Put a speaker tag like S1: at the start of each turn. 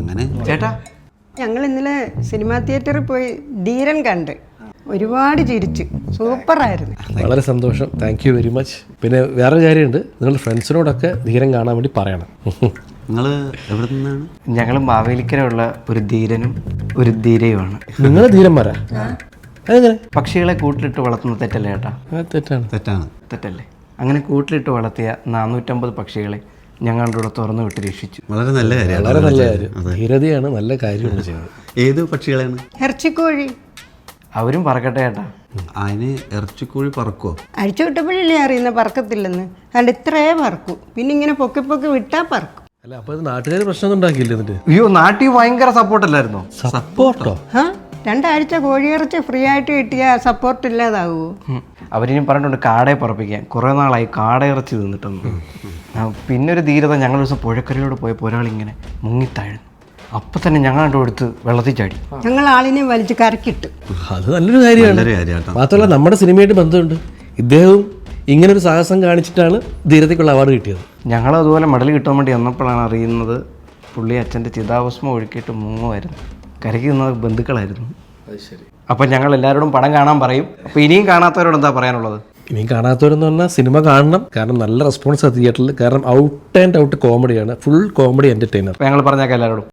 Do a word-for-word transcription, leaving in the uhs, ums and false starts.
S1: അങ്ങനെ
S2: ചേട്ടാ
S3: ഞങ്ങൾ ഇന്നലെ സിനിമാ തിയേറ്ററിൽ പോയി ധീരൻ കണ്ട് ഒരുപാട് ചിരിച്ചു, സൂപ്പറായിരുന്നു.
S4: വളരെ സന്തോഷം, താങ്ക് യു വെരി മച്ച്. പിന്നെ വേറെ കാര്യമുണ്ട്, നിങ്ങളുടെ ഫ്രണ്ട്സിനോടൊക്കെ ധീരം കാണാൻ വേണ്ടി പറയണം.
S1: നിങ്ങൾ എവിടെ നിന്നാണ്?
S2: ഞങ്ങൾ മാവേലിക്കരയുള്ള ഒരു ധീരനും ഒരു ധീരയുമാണ്.
S4: നിങ്ങൾ ധീരന്മാരാ? അതെങ്ങനെ?
S2: പക്ഷികളെ കൂട്ടിലിട്ട് വളർത്തുന്ന തെറ്റല്ലേ ചേട്ടാ?
S4: ആ, തെറ്റാണ്.
S1: തെറ്റാണ്.
S2: തെറ്റല്ലേ? അങ്ങനെ കൂട്ടിലിട്ട് വളർത്തിയ നാനൂറ്റമ്പത് പക്ഷികളെ ഞങ്ങളുടെ കൂടെ തുറന്നു വിട്ട് രക്ഷിച്ചു.
S1: വളരെ നല്ല കാര്യമാണ്.
S4: വളരെ നല്ല കാര്യം, ധീരതയാണ്, നല്ല കാര്യമാണ് ചെയ്യുന്നത്.
S1: ഏത് പക്ഷികളാണ്?
S3: ഇറച്ചിക്കോഴി.
S2: അവരും പറക്കട്ടെ ചേട്ടാ.
S1: അതിന് ഇറച്ചിക്കോഴി പറക്കുമോ?
S3: അഴിച്ചു വിട്ടപ്പോഴല്ലേ അറിയുന്ന പറക്കത്തില്ലെന്ന്. അതുകൊണ്ട് ഇത്രേ പറക്കും, പിന്നെ ഇങ്ങനെ പൊക്കി പൊക്കി വിട്ടാ പറക്കും.
S4: അല്ല, അപ്പൊ നാട്ടുകാർ പ്രശ്നമൊന്നും ഉണ്ടാക്കിയില്ല എന്നിട്ട്?
S2: അയ്യോ, നാട്ടിൽ ഭയങ്കര സപ്പോർട്ടല്ലായിരുന്നോ?
S4: സപ്പോർട്ടോ?
S3: ആ രണ്ടാഴ്ച കോഴിയിറച്ചി ഫ്രീ ആയിട്ട് കിട്ടിയാൽ സപ്പോർട്ട് ഇല്ലാതാവുമോ?
S2: അവരിനി പറഞ്ഞിട്ടുണ്ട് കാടയെ പറപ്പിക്കാൻ. കുറേ നാളായി കാടയിറച്ചി തിന്നിട്ടൊന്നും. പിന്നെ ഒരു ധീരത, ഞങ്ങൾ ദിവസം പുഴക്കരയിലൂടെ പോയപ്പോൾ ഒരാളിങ്ങനെ മുങ്ങിത്താഴുന്നു. അപ്പം തന്നെ ഞങ്ങളുടെ അടുത്ത് വെള്ളത്തിൽ ചാടി.
S3: ഞങ്ങൾ ആളിനെ വലിച്ച് കരക്കിട്ട്.
S4: അത് നല്ലൊരു കാര്യമാണ്.
S1: നല്ലൊരു കാര്യമാട്ടോ.
S4: മാത്രമല്ല നമ്മുടെ സിനിമയായിട്ട് ബന്ധമുണ്ട്. ഇദ്ദേഹവും ഇങ്ങനൊരു സാഹസം കാണിച്ചിട്ടാണ് ധീരതയ്ക്കുള്ള അവാർഡ് കിട്ടിയത്.
S2: ഞങ്ങൾ അതുപോലെ മെഡൽ കിട്ടാൻ വേണ്ടി വന്നപ്പോഴാണ് അറിയുന്നത് പുള്ളി അച്ഛൻ്റെ ചിതാഭസ്മം ഒഴുക്കിയിട്ട് മുങ്ങുമായിരുന്നു. കരയ്ക്ക് നിന്നത് ബന്ധുക്കളായിരുന്നു. അപ്പം ഞങ്ങൾ എല്ലാവരോടും പടം കാണാൻ പറയും. അപ്പം ഇനിയും കാണാത്തവരോട് എന്താ പറയാനുള്ളത്?
S4: ഇനിയും കാണാത്തവരെന്ന് പറഞ്ഞാൽ സിനിമ കാണണം. കാരണം നല്ല റെസ്പോൺസ് തിയേറ്ററിൽ. കാരണം ഔട്ട് ആൻഡ് ഔട്ട് കോമഡിയാണ്, ഫുൾ കോമഡി എൻ്റർടൈനർ.
S2: അപ്പം ഞങ്ങൾ പറഞ്ഞേക്കാം എല്ലാവരോടും.